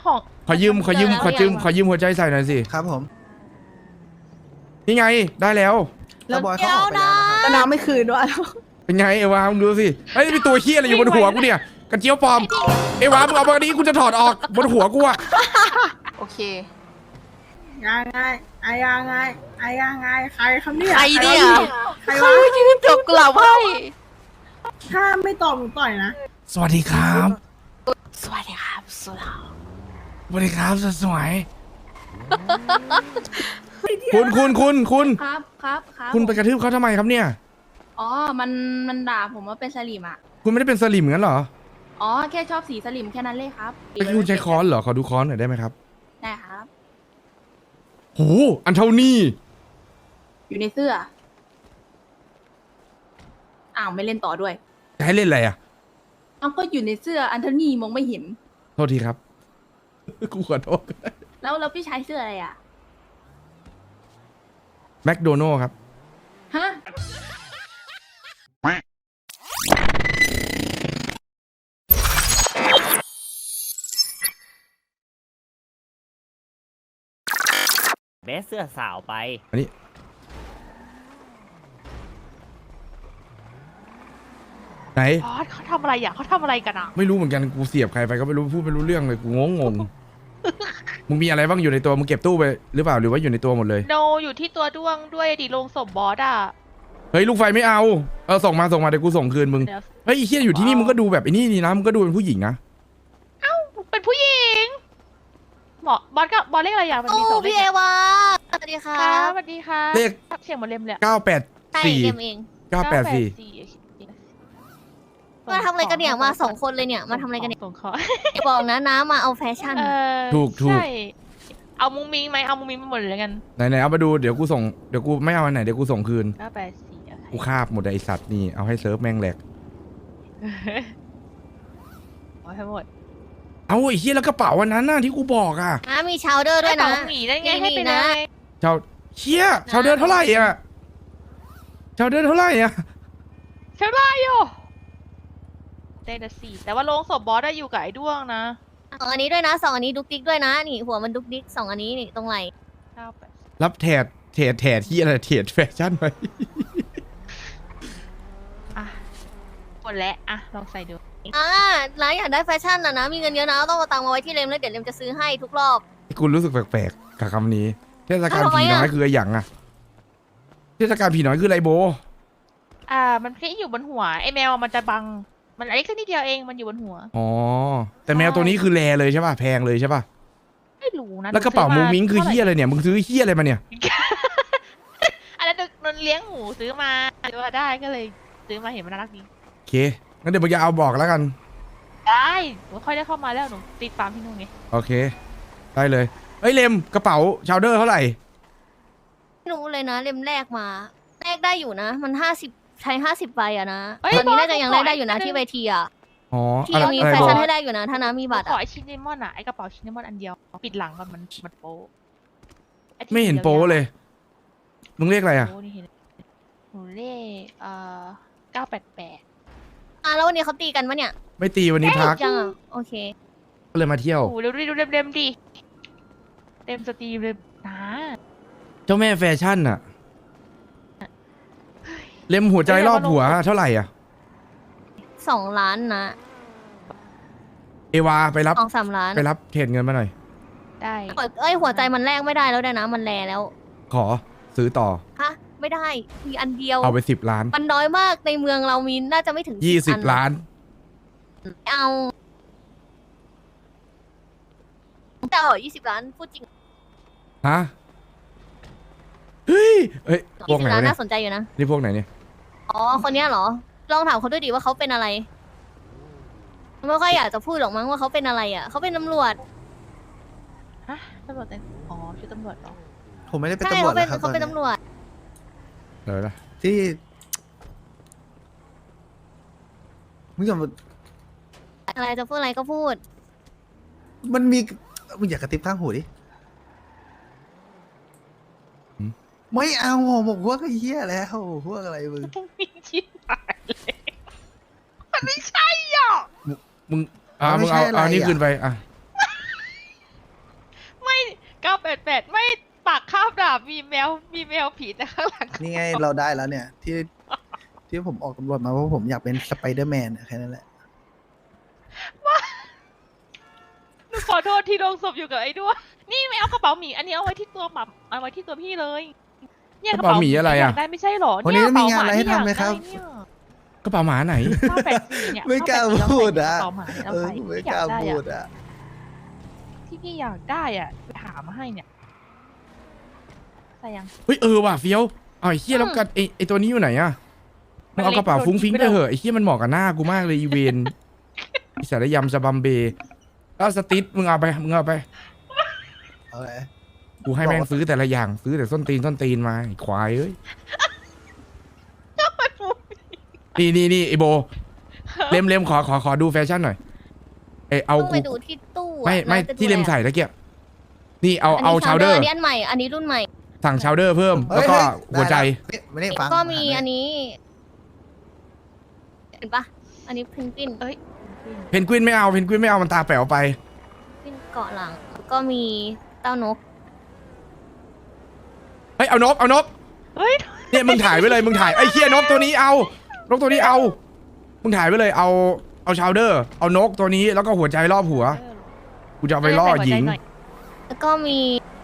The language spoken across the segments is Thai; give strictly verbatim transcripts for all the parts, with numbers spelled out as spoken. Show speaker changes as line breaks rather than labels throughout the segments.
ของ
ขอยืมขอยืมขอยืมขอยืมหัวใจใส่หน่อยสิ
ครับผม
นี่ไงได้แล้ว
แล้วบอยเขาออกไปแล้วนะครับ
แล้วน้ำไม่คืนด้วย
เป็นไงเอวามึงดูสิเฮ้ยเป็นตัวเฮี้ยอะไรอยู่บนหัวกูเนี่ยกระเจียวปลอมเอวามึงเอามาดีกูจะถอดออกบนหัวกูอะ
โอเค
ยังไงไอ้ยังไงไอ้ยังไงใครคำเนี่ย
ใครเนี่ย
ใคร
เขา
วะ
ยืนจบกลับให้
ถ้าไม่ตอบหนูต่อยนะ
สวัสดีครับ
สวัสดีครับสุดา
สวัสดีครับสวยๆคุณคุณคุณคุณ
ครับครับครับ
คุณไปกระทืบเขาทำไมครับเนี่ย
อ๋อ มัน มันด่าผมว่าเป็นสลิมอ่ะ
คุณไม่ได้เป็นสลิมงั้นเหรอ
อ๋อ แค่ชอบสีสลิมแค่นั้นเลยครับ
เมื่อกี้คุณใช้ค้อนเหรอขอดูค้อนหน่อยได้ไหมครับ
ได้ครับ
โหอันเท่านี้
อยู่ในเสื้อ อ้าว ไม่เล่นต่อด้วย
จะให้เล่นอะไรอ่ะ
เอาก็อยู่ในเสื้อ อันเทนี่มองไม่เห็น
โทษทีครับ กูขอโทษ
แล้วแล้วพี่ชายเสื้ออะไรอ่ะ
แมคโดนัลด์ครับ
ฮะ
เบสเสื้อสาวไป
อันนี้ไหน
บอสเขาทำอะไรอ่ะเขาทำอะไรกันอ่ะ
ไม่รู้เหมือนกันกูเสียบใครไปก็ไม่รู้พูดไม่รู้เรื่องเลยกูงงงง มึงมีอะไรบ้างอยู่ในตัวมึงเก็บตู้ไปหรือเปล่าหรือว่าอยู่ในตัวหมดเลย
โนอยู่ที่ตัวด้วงด้วยดิลงศพบอสอ่ะ
เฮ้ยลูกไฟไม่เอาเออส่งมาส่งมาเดี๋ยวกูส่งคืนมึง
เดี๋ยว
เฮ้ยไอ้เฮียอยู่ที่นี่มึงก็ดูแบบไอ้นี่นี่นะมึงก็ดูเป็นผู้หญิงนะ
เป็นผู้หญิงหมอบอสก็บอสเลขอะไรอย่างมัน
โอ้
มีสองเล
พี่
ข
เอ
อะ
วาสวัสดีค่ะ
ครับสวัสดีค่ะ
เลข
เสียงเหมือนเลมเลยอะ
เก้าแปด
ใช่
สี่
เกมเอง
เก้าแปดสี่
มาทำอะไรกันเนี่ยมาสองคนเลยเนี่ยมาทำอะไรกันเนี่ย
ส่งของ
อย่าบอกนะน้ามาเอาแฟชั่น
เออ
ถูกถูก
ใช่เอามุ้งมิ้งไหมเอามุ้งมิ้งไปหมดเลยกัน
ไหนไหนเอามาดูเดี๋ยวกูส่งเดี๋ยวกูไม่เอาอันไหนเดี๋ยวกูส่งคืน
เก้าแปดสี่โอเค
กูคาบหมดเลยไอสัตว์นี่เอาให้เซิร์ฟแม่งแหลก
เอาให้หมด
เอาไอ้เฮียแล้วกระเป๋าวันนั้นน่ะที่กูบอกอ่ะ
น้ามีชาวเดอร์ด้วยนะ
ให้ของหมีได้ไง
นี่
ให้ไป
นะ
เลย
ชาวเฮียชาวเดินเท่าไหร่อ่ะชาวเดินเท่าไหร่อ่ะ
เท่าไหร่อยู่เต้นสี่แต่ว่าโรงศพบอสได้อยู่กับไอ้ด้วงนะ
สองอันนี้ด้วยนะสองอันนี้ดุกดิกด้วยนะนี่หัวมันดุกดิกสองอันนี้นี่ตรงไหล่
เก้าแปด
รับแถดแถดแถดที่อะไรแถดแฟชั่นไป
อ่ะหมดแล้วอ่ะลองใส่ดู
อ่าน้าอยากได้แฟชั่นนะนะมีเงินเยอะนะต้องเอาตังค์มาไว้ที่เลมแล้วเดี๋ยวเลมจะซื้อให้ทุกรอบ
กูรู้สึกแปลกๆกับคำนี้ เทศกาล
ทำไม
ผี
อะ
น้อยคืออะไรอย่างอะเทศกาลผีน้อยคืออะไรโบ
อ่า มันแค่อยู่บนหัวไอ้แมวมันจะบัง มันอันนี้แค่นิดเดียวเองมันอยู่บนหัว
อ๋อ แต่แมวตัวนี้คือแรเลยใช่ป่ะ แพงเลยใช่ป่ะ
ไม่รู้นะ
แล้วกระเป๋า
หนู
มุ้
ซื้
งมิ้งคือเฮียอะไรเนี่ย มึงซื้อเฮียอะไรมาเนี่ย
อันนั้นนนเลี้ยงหมูซื้อมาซื้อมาได้ก็เลยซื้อมาเห็นมันน่ารักดี
โอเค งั้นเดี๋ยวมึงจะเอาบอกแล้วกัน
ได้หนูค่อยได้เข้ามาแล้วหนูติดฟาร์มที่นู่นไง
โอเค ได้เลย เฮ้ยเลมกระเป๋าชาวเดอร์เท่าไหร่
ไม่รู้เลยนะเลมแรกมาแรกได้อยู่นะ มันห้าสิบใช้ห้าสิบใบอะนะ
เอ้ย
ตอนนี้น่าจะ
บอส
ยัง
ข
แร
อก
ได้อยู่นะ
อีก
ที่เวทีอะ
อ๋อ
ที่
อะไร
ยังมี
อะไร
แฟ
บอ
ชั่
ก
นให้ได้อยู่นะถ้าน้ามีบัตร
ขอ
อะ
ไอชินเนมอนอ่ะไอกระเป๋าชินเนมอนอันเดียวปิดหลังก่อนมันมันโป๊ะอ้ที่
ไม่เห็นโป้เลย มึงเรียกอะไรอ่ะ
โป๊นี่เห็นหนูเลขเอ่อเก้าแปดแปด
อ่ะแล้ววันนี้เขาตีกันปะเนี่ย
ไม่ตีวันนี้พัก
ยังอ่ะโอเค
ก็เลยมาเที่ยว
โอ้เร็วดิดูเร็มๆดิเต็มสตรีมเลยนะ
เจ้าแม่แฟชั่นอะเล็มหัวใจรอบหัวเท่าไหร่อ่ะ
สองล้านนะ
เอวาไปรับ
สองสามล้าน
ไปรับเทรดเงินมาหน่อย
ได้
เอ้ยหัวใจมันแลกไม่ได้แล้วด้วยนะ มันแลแล้ว
ขอซื้อต่อ
ฮะไม่ได้มีอันเดียว
เอาไปสิบล้าน
มันน้อยมากในเมืองเรามีน่าจะไม่ถึง
ยี่สิบ
อัน
ล้าน
ไม่เอาจะเอายี่สิบล้านพูดจริง
ฮะ เฮ้ยเอ้ย พว
ยี่
ก
สิ
ไหน
บล้าน
วะเนี่
น่าย สนใจอยู่นะ
นี่พวกไหนเนี่ย
อ๋อคนเนี้ยเหรอ ลองถามเขาด้วยดิว่าเขาเป็นอะไรไม่ค่อยอยากจะพูดหรอกมั้งว่าเขาเป็นอะไรอ่ะเขาเป็นตำรวจ
ฮะตำรวจแต่งอ๋อชุดตำรวจเหรอ
ผมไม่ได้เป็น
ใช่
ตำรว
เขา
จ
เป็น
นะครับ
เขาเป็น
ตอน
ตำร
นี้
วจ
เดี๋ยวนะ
ที่มึงอย่ามา
อะไรจะพูดอะไรก็พูด
มันมีมึงอยากกระติบข้างหูดิไม่เอาบอกพวกไอ้เหี้ยแล้วพวกอะไรมึง
มีชิบหายเลยมันไม่ใช่หรอก
มึงอ่ามึงเอาเอานี่คืนไปอ่ะ
แปดแปดไม่ปากคาบดาบมีแมวมีแมวผีแต่ข้างหลัง
นี่ไงเราได้แล้วเนี่ย ที่ที่ผมออกตำรวจมาเพราะผมอยากเป็นสไปเดอร์แมนแค่นั้นแหละ
หนูขอโทษที่ลงศพอยู่กับไอ้ด้วงนี่ไม่เอากระเป๋าหมีอันนี้เอาไว้ที่ตัวหมาเอาไว้ที่ตัวพี่เลยเนี่ย
กระเป๋าหมีอะไรอะ
ยากได้ไม่ใช่หรอ
วันนี้
เนี่ย
มีงานอะไรให้ทำไหมครับ
กระเป๋าหมาไหน
ข้าวแปดสี่เนี่ย
ไม่กล้าพูดอะ
ข้าวแปดสี่
เออ
เรา
ไม่
ใส่
กล้า
ที่
พู
อย
ด
ได้อะ
อ่ะ
ที่พี่อยากได้อ่ะไปหามาให้เนี่ยใส่ยัง
เฮ้ยเออว่ะเฟี้ยวเอาไอ้เหี้ยแล้วกันไอ้ไอ้ตัวนี้อยู่ไหนอะมึงเอากระเป๋าฟุ้งฟิ้งไปเถอะไอ้เหี้ยมันเหมาะกับหน้ากูมากเลยอีเวนไอ้สารยำสบัมเบแล้วสติ๊ดมึงเอาไปมึงเอาไป
เอาไง
กูให้แม่งซื้อแต่ละอย่างซื้อแต่ส้นตีนส้นตีนมาไอ้ควายเอ้ยนี่นี่นี่ไอโบเล็มเล็มขอขอขอดูแฟชั่นหน่อยเอยเอา
ต้องไป
กู
ดูที่ตู้อะ
ไม่ไม่
น่าจะดู
ที่เล็ม
แล
ใส่ตะเกียบนี่เอา
นนี้
เอาชาวเดอร์
อันนี้อันใหม่ อันนี้รุ่นใหม่
สั่งชาวเดอร์เพิ่มแล้วก็
เฮ้ย
หัวใจ
ได้แล้วไม่ได้ฟัง
ก็มีอันนี้ เห็นปะอันนี้เพนกวิน
เอ้ย
เพนกวินไม่เอาเพนกวินไม่เอามันตาแป๋วไป
เพนกวินเกาะหลัง ก็มีเต้านก
เฮ้ยเอานกเอานก
เฮ้ย
เนี่ยมึงถ่ายไว้เลยมึงถ่ายไอ้เคียนกตัวนี้เอานกตัวนี้เอามึงถ่ายไว้เลยเอาเอาชาวเดอร์เอานกตัวนี้แล้วก็หัวใจรอบหัวกูจะเอาไปล่อหญิง
แล้วก็มี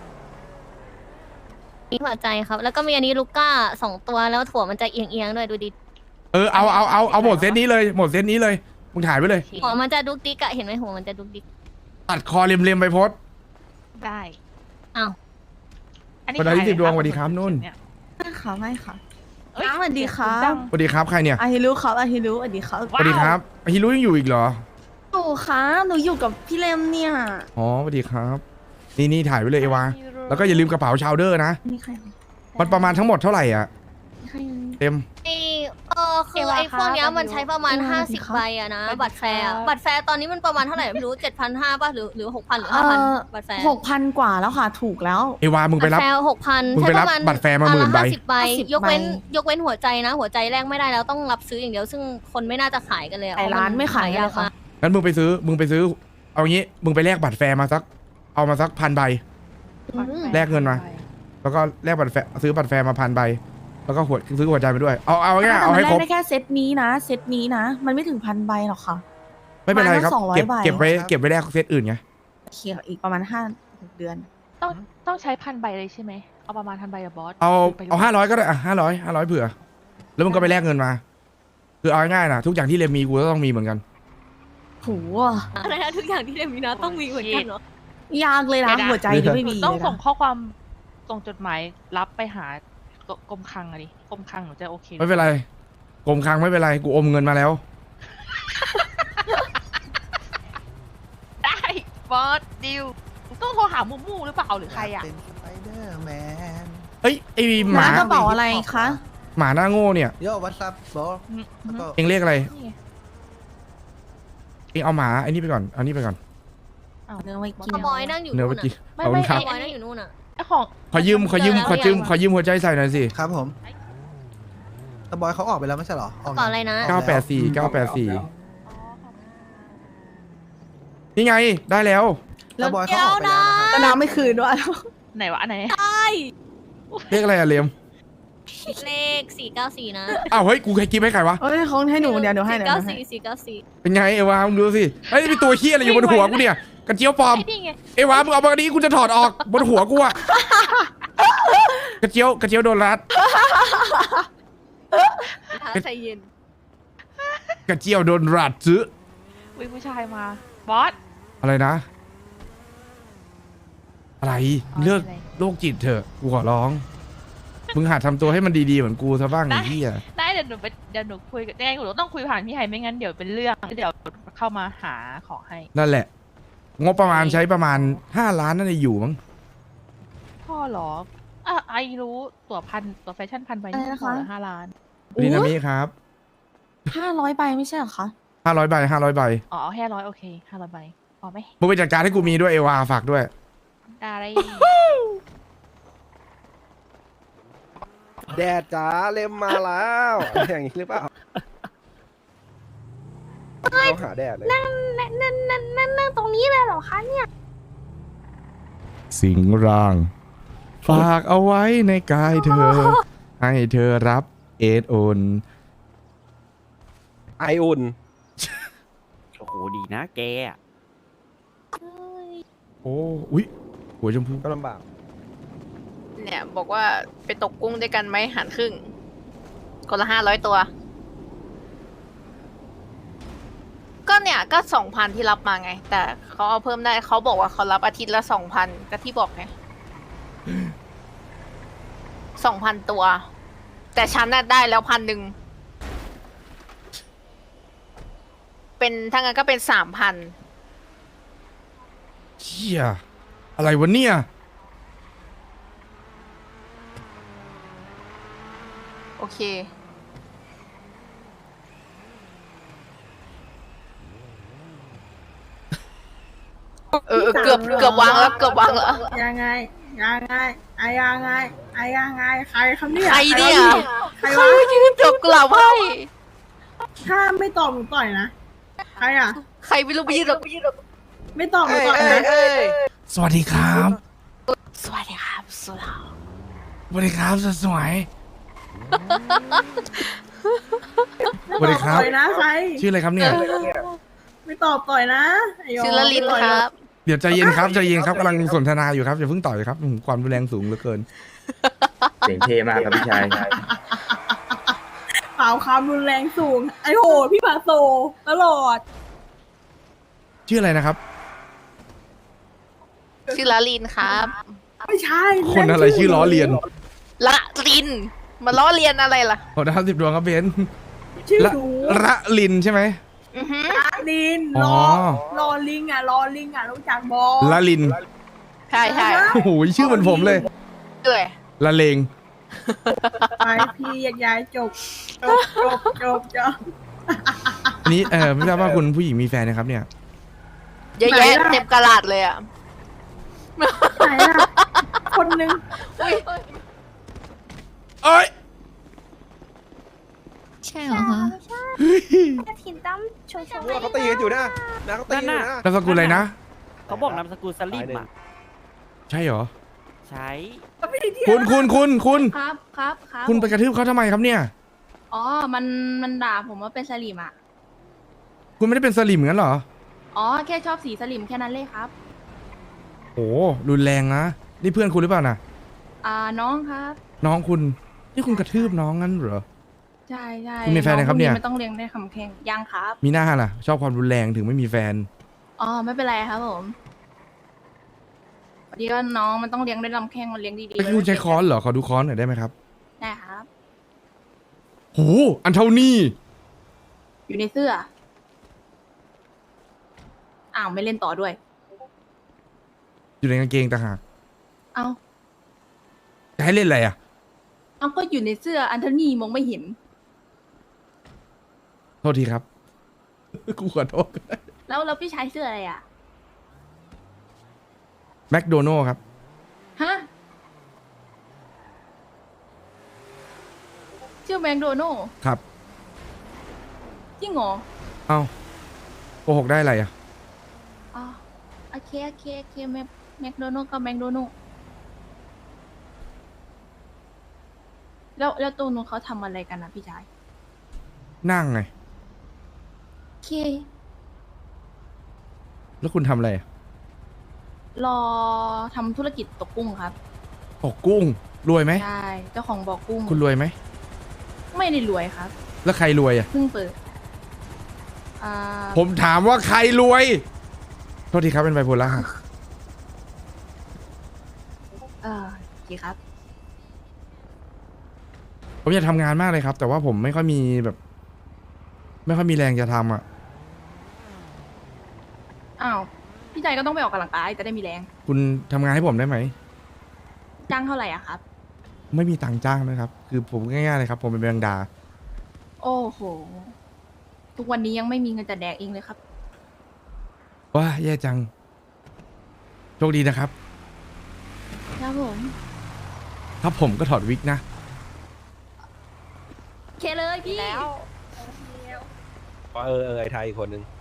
มีหัวใจครับ แล้วก็มีอันนี้ลูก้าสองตัวแล้วถั่วมันจะเอียงๆด้วยดูดิ
เออเอาเอาเอาเอาหมดเซตนี้เลยหมดเซตนี้เลยมึงถ่ายไว้เลย
หัวมันจะดุกดิกอะเห็นไหมหัวมันจะดุกดิก
ตัดคอเล็มๆไปโพสต์
ได้
อ้าว
อันนี้
วันละ
ขาย
ยี่สิบดวง
ไห
สวัสดีครับนุ่น
เย
ไม่ค่ะไม่ค่ะ
เอ้ย
สวัสดีครับ
ดัง
สวัสดีครับใครเนี่ย
อาฮิรุครับอาฮิรุสวัสดีครับ
สวัสดีครับฮิรุยังอยู่อีกเหรอ
หนูคะหนูอยู่กับพี่เลมเนี่ย
อ๋อสวัสดีครับ นี่นี่ถ่ายไว้เลยเอวาแล้วก็อย่าลืมกระเป๋าชาวเดอร์นะ
นี่ใคร
มันประมาณทั้งหมดเท่าไหร่อ่ะ
นี่ใคร
เต็ม
ไอเออคือไอพวกเนี้ยมันใช้ประมาณ
เอวา
ห้า
สวัสดี
สิบ
ครับ
ใบอะนะ บัตรแฟร์อะบัตรแฟร์ตอนนี้มันประมาณเท่าไหร่ไม่รู้เจ็ดพันห้าป่ะหรือหรือหกพันหรือห้าพันบัตรแฟร์
หกพันกว่าแล้วค่ะถูกแล้ว
เอวามึงไป
บัต
รับ
รแฟร์หกพัน
มึง
ใช้
ไป
ป
รับ
ระมาณ
บัตรแฟร์มาหมื่นใบ
ห้าสิบใบ
ห้าสิบ
ยกเว้น
ใบ
ยกเว้นหัวใจนะ หัวใจแรกไม่ได้แล้วต้องรับซื้ออย่างเดียว ซึ่งคนไม่น่าจะขายกันเลยอะ
ไอ้ร้านไม่ขาย
ยาก
เลยค่ะ
มาก
งั้นมึงไปซื้อมึงไปซื้อ เอางี้มึงไปแลกบัตรแฟร์มาสักเอามาสักพันใบ
อืม
แลกเงินมา แล้วก็แลกบัตรแฟร์ซื้อบัตรแฟร์มาพันใบแล้วก็หัวซื้อหัวใจไปด้วยเอาเอาง่ายๆเอาให้ครบ
แต่มันได้แค่เซตนี้นะ เซตนี้นะ มันไม่ถึงพันใบหรอกค่ะ
ไม่เป็นไรครับ
ประมาณสองร้อย
เก็บ
ใบ
เก็บไว้เก็บไว้แลกเซตอื่นไง
เขียวอีกประมาณห้าหกเดือน
ต้องต้องใช้พันใบเลยใช่ไหมเอาประมาณพันใบอะบอส
เอา
ไปลย
เอาห้าร้อยก็ได้อ่ะห้าร้อยห้าร้อยเผื่อ แล้วมึงก็ไปแลกเงินมา คือเอาง่ายๆนะทุกอย่างที่เรมมีกูก็ต้องมีเหมือนกัน
โห
อะไรนะทุกอย่างที่เดมินาต้องมีเหมือนกันเหรอ
ยากเลยนะ
เดี๋ยวนะ
หัวใจยังไม่มี
ต้อง
เลย
ส่ง
นะ
ข้อความส่งจดหมายรับไปหากรมคลังอะดิกรมคลังหนูจะโอเค
ไม่เป็นไรกรมคลังไม่เป็นไรกูอมเงินมาแล้ว
ได้บอสดิวต้องโทรหามูมูหรือเปล่าหรือใครอะ
เป็นสไปเดอร์แมน
เอ้ยไอหมา
ร้านกระเป๋าอะไรคะ
หมาหน้าโง่เนี่ย
โย่วัตซับโบอ
อืมอืม
ก็
เองเรียกอะไร
นี่ไง
เองเอาหมาไอ้นี่ไปก่อนเอานี่ไปก่อน
อ้าว
เนื้อไว้กิน
ขโมยนั่งอยู่
เนื้อ
นู่
เมื่
น
อกี้
ไม่
ขอบคุ
ไม่
ณครับ
ขโมยนั่งอยู่นู่นอะ
ไอของ
ขอยืมขอยืมขอยืมขอยืมหัวใจใส่หน่อยสิ
ครับผมแต่บอยเขาออกไปแล้วไม่ใช่เหรอออก
เปล่าอะไรนะ
เก้าแปดสี่เก้าแปดสี่นี่ไงได้แล้ว
แต่บอยเขาออกไปแล้วนะครับ
ก็น้ำไม่คืนด้วย
ไหนวะอันไหน
เรียกอะไรอะเลียม
เลขสี่เก้าสี่นะ
อ้าวเฮ้ยกูใครกินให้ใครวะ
เอ้ยเขาให้หนูเดี๋ยวเดี๋ยวให้
สี่
เดี๋ยว
เก้า
ให้
สี่สี่เก้าสี่
เป็นไงเอวามึงดูสิเฮ้ยมีตัวเฮี้ยอะไรอยู่บนหัวกูเนี่ยกระเจียวปลอม
ไอ้นี่ไง
เอวามึงเอามาดีกูจะถอดออกบนหัวกูอะกระเจียวกระเจียวโดนรัด
ใจเย็น
กระเจียวโดนรัดซื้อ
วิผู้ชายมาบอส
อะไรนะ อะไร
อ๋อ
เลิก
อะไร
โรคจิตเถอะกูขอร้อง มึงหัดทำตัวให้มันดีๆเหมือนกูซะบ้างไอ้เหี้ย
ได้เดี๋ยวหนูไปเดี๋ยวหนูคุยกับยังไงหนูต้องคุยผ่านพี่ไฮไม่งั้นเดี๋ยวเป็นเรื่องเดี๋ยวเข้ามาหาของให้
นั่นแหละ งบประมาณใช้ประมาณห้าล้านนั่นเองอยู่มั้ง
พ่อเหรออ่ะไอรู้ตั๋วพันตั๋วแฟชั่นพันใบนี่
อะไรนะคะ
พอเหรอห้าล้าน
นี่นามิครับ
ห้าร้อยใบไม่ใช่เหรอคะ
ห้าร้อยใบห้าร้อยใบ
อ๋อเอาแค่ร้อยโอเคห้าร้อยใบพอไหม
มึงไปจัดการให้กูมีด้วยเอวาฝากด้วย
ได้
แดดจ๋าเล็มมาแล้วอะไรอย่างนี้หรือเปล่าเราหาแดดเลย
นั่นนั่นนั่นนั่นนั่งตรงนี้เลยเหรอคะเนี่ย
สิงร่าง ฝากเอาไว้ในกายเธอ ให้เธอรับเอดโอน
ไออุ่น
โอ้โห ดีนะแกอะ
โอ้อุ๊ยหัวชมพู
ก็ลำบาก
เนี่ยบอกว่าไปตกกุ้งด้วยกันไหมหันครึ่ง คนละห้าร้อยตัว ก็เนี่ยก็สองพันที่รับมาไง แต่เขาเอาเพิ่มได้เขาบอกว่าเขารับอาทิตย์ละสองพันก็ที่บอกไงสองพันตัว แต่ฉันน่ะได้แล้วพันหนึ่งเป็นถ้างั้นก็เป็นสามพัน
เชี่ยอะไรวะเนี่ย
โอเค เออเออเกือบเกือบวางแล้วเกือบวางแล้ว
ยังไงยังไงไอ้ยังไงไอ้ยังไงใครคำเนี่ย
ใครเนี่ย
ใคร
ใคร
วะ
ยืนจบกุหลาบให้
ถ้าไม่ตอบหนูต่อยนะใครอ่ะ
ใครไม่รู้ไปยืนหรอก
ไม่ตอบหนู
เอ้ย
ต่อย
เอ้ย
นะ
เอ้ย
สวัสดีครับ
สวัสดีครับสุดา
สวัสดีครับสวยๆสวัสดีครับ
ต่อยนะใคร
ชื่ออะไรครับเนี่ย
ไม่ตอบต่อยนะไย
ชื่อละลินครับ
เดี๋ยวใจเย็นครับใจเย็นครับกำลังสนทนาอยู่ครับอย่าเพิ่งต่อยครับอืมความรุนแรงสูงเหลือเกิน
เสียงเท่มากครับพี่ชาย
เปล่าความรุนแรงสูง ไอ้โหพี่ผาโซตลอด
ชื่ออะไรนะครับ
ชื่อละลินครับ
ไม่ใช่
คนอะไรชื่อล้อเลียน
ละลิน มาล้อเลียนอะไรล่ะ
ขอดาวสิบดวงครับเบน
ชื่อ
ละ
หนู
ระลินใช่ไหม
อือฮึ
ลิน
อ๋
ร
อ
อรอลิงอ่ะรอลิงอ่ะรู้จักบอ
ละลิน
ใช่ใช่
โอ้โหชื่อเหมือนผมเลย
เอ้ย
ละเลง
ไปพี่แยกย้ายจบจบจบจบจบ
อันนี้เออไม่ทราบว่าคุณผู้หญิงมีแฟนนะครับเนี่ย
เยอะแยะเต็มกระดาษเลยอ่ะ
ไหนล่ะคนหนึง
อุ้ย
เอ้ย
ใช่เหรอคะ
ถิ่นตั้มโชว์โชว์
ว่าเขาตีกันอยู่นะนะเขาตีกันอยู่นะ
นามสกุลอะไรนะ
เขาบอกนามสกุลสลิมอ่ะ
ใช่เหรอ
ใช้
คุณคุณคุณคุณ
ครับครับครับ
คุณไปกระทืบเขาทำไมครับเนี่ย
อ๋อ มันมันด่าผมว่าเป็นสลิมอ่ะ
คุณไม่ได้เป็นสลิมงั้นเหรอ
อ๋อ แค่ชอบสีสลิมแค่นั้นเลยครับ
โอ้รุนแรงนะ นี่เพื่อนคุณหรือเปล่านะ
อ่าน้องครับ
น้องคุณ นี่คุณกระทืบน้องงั้นเหรอ
ใช่ใช่
คุณมีแฟนยังครับเนี่ย
องพวกไม่ต้องเลี้ยงได้คำแข่งยังครับ
มีหน้าล่ะ ชอบความรุนแรงถึงไม่มีแฟน
อ๋อ ไม่เป็นไรครับผมพอดีว่าน้องมันต้องเลี้ยงด้วยลำแข้งมันเลี้ยงดีๆ
ไอ้คุณใช้ค้อนเหรอ ขอดูค้อนหน่อยได้ไหมครับ
ได้ครับ
โห อันเท่านี้
อยู่ในเสื้อ อ้าวไม่เล่นต่อด้วย
อยู่ในกางเกงต่างหาก
เอา
จะให้เล่นอะไรอ่ะ
เอาก็อยู่ในเสื้ออันเทนี่มองไม่เห็น
โทษทีครับ กูขอโทษ
แล้วแล้วพี่ชายเสื้ออะไรอ่ะ
แมคโดนัลด์ครับ
ฮะ ชื่อแมคโดนัลด์
ครับ
จริงเหรอ
เอ้าโกหกได้อะไรอ่ะ
อ๋อโอเคโอเคโอเคแมคแมคโดนัลด์กับแมคโดนัลด์แล้วแล้วตัวนู้นเขาทำอะไรกันนะพี่ชาย
นั่งไง
โอเค
แล้วคุณทำอะไรอะ
รอทำธุรกิจตกกุ้งครับ
ตกกุ้ง รวยไหม
ใช่ เจ้าของบ่อกุ้ง
คุณรวยไหม
ไม่ได้รวยครับ
แล้วใครรวยอ่ะ
เพิ่งเปิด อ่า
ผมถามว่าใครรวย โทษทีครับเป็นไบโพล่า
เออโอเคครับ
ผมอยากทำงานมากเลยครับ แต่ว่าผมไม่ค่อยมีแบบ ไม่ค่อยมีแรงจะทำอ่ะ
อ้าว พี่ชายก็ต้องไปออกกำลังกายจะได้มีแรง
คุณทำงานให้ผมได้ไหม
จ้างเท่าไหร่อะครับ
ไม่มีตังค์จ้างนะครับ คือผมง่ายๆเลยครับ ผมเป็นแมงดา
โอ้โห ทุกวันนี้ยังไม่มีเงินจะแดกเองเลยครับ
ว้าแย่จัง โชคดีนะครับ
ครับผม
ครับผมก็ถอดวิกนะ
โอเคเลยพี่
แล้ว
เออเออไอไทยอีกคนนึง